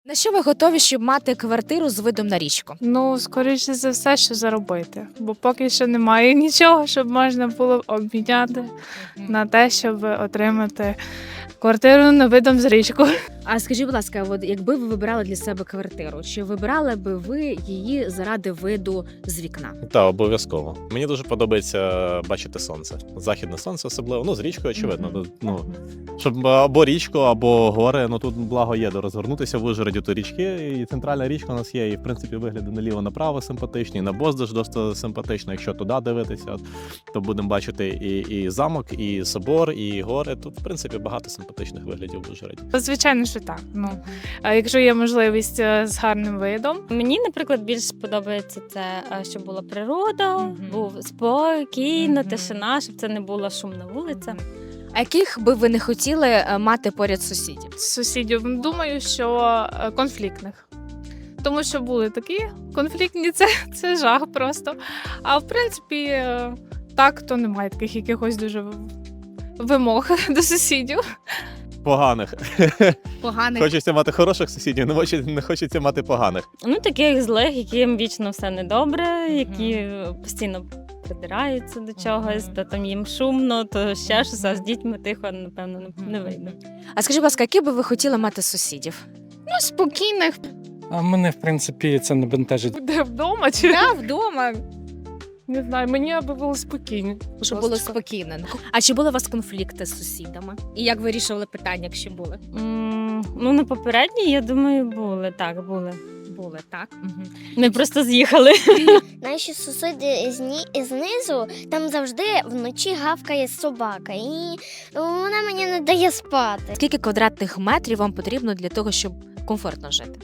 На що ви готові, щоб мати квартиру з видом на річку? Ну, скоріше за все, що заробити. Бо поки що немає нічого, щоб можна було обміняти на те, щоб отримати квартиру на видом з річку. А скажіть, будь ласка, от якби ви вибирали для себе квартиру, чи вибирали би ви її заради виду з вікна? Та обов'язково. Мені дуже подобається бачити сонце. Західне сонце особливо. Ну, з річкою, очевидно. Мгм. Ну, щоб або річку, або гори. Ну тут благо є де розгорнутися в Ужгороді, то річки. І центральна річка у нас є. І в принципі вигляди наліво-направо симпатичні. І на Боздаж досить симпатично. Якщо туди дивитися, то будемо бачити і замок, і собор, і гори. Тут, в принципі, багато симпатичних виглядів в Ужгороді. Звичайно, що так. Ну, а якщо є можливість з гарним видом, Мені, наприклад, більш подобається це, щоб була природа, Мгм. був спокійно, Мгм. тишина, щоб це не була шумна вулиця. А яких би ви не хотіли мати поряд сусідів? з сусідів, думаю, що конфліктних. Тому що були такі конфліктні, це жах просто. А в принципі, так, то немає таких якихось дуже вимог до сусідів. Поганих. Поганих. Хочеться мати хороших сусідів, не хочеться мати поганих. Ну, таких злих, яким вічно все недобре, які постійно придираються до чогось, то там їм шумно, то ще щось, а з дітьми тихо, напевно, не вийде. А скажіть, будь ласка, які би ви хотіли мати сусідів? Ну, спокійних. А мене, в принципі, це не бентежить. Де вдома чи Я вдома, не знаю, мені аби було спокійно. щоб було спокійно. А чи були у вас конфлікти з сусідами? І як вирішували питання, якщо були? Ну, на попередній, я думаю, були. Так, були. Були, так? Угу. Ми просто з'їхали. Наші сусіди знизу, там завжди вночі гавкає собака, і вона мені не дає спати. Скільки квадратних метрів вам потрібно для того, щоб комфортно жити?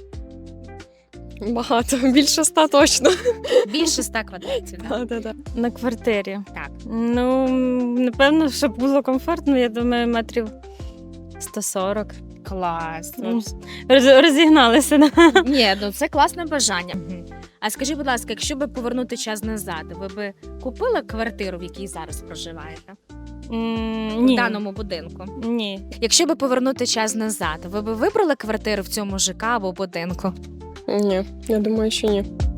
Багато, більше 100 точно. Більше 100 квадратів. Да? На квартирі. Так. Ну, напевно, щоб було комфортно, я думаю, метрів 140. Клас. Ну, розігналися. Ні, ну це класне бажання. А скажіть, будь ласка, якщо би повернути час назад, ви би купили квартиру, в якій зараз проживаєте? В Ні. даному будинку? Ні. Якщо би повернути час назад, ви би вибрали квартиру в цьому ЖК або будинку? Ні, я думаю, що ні.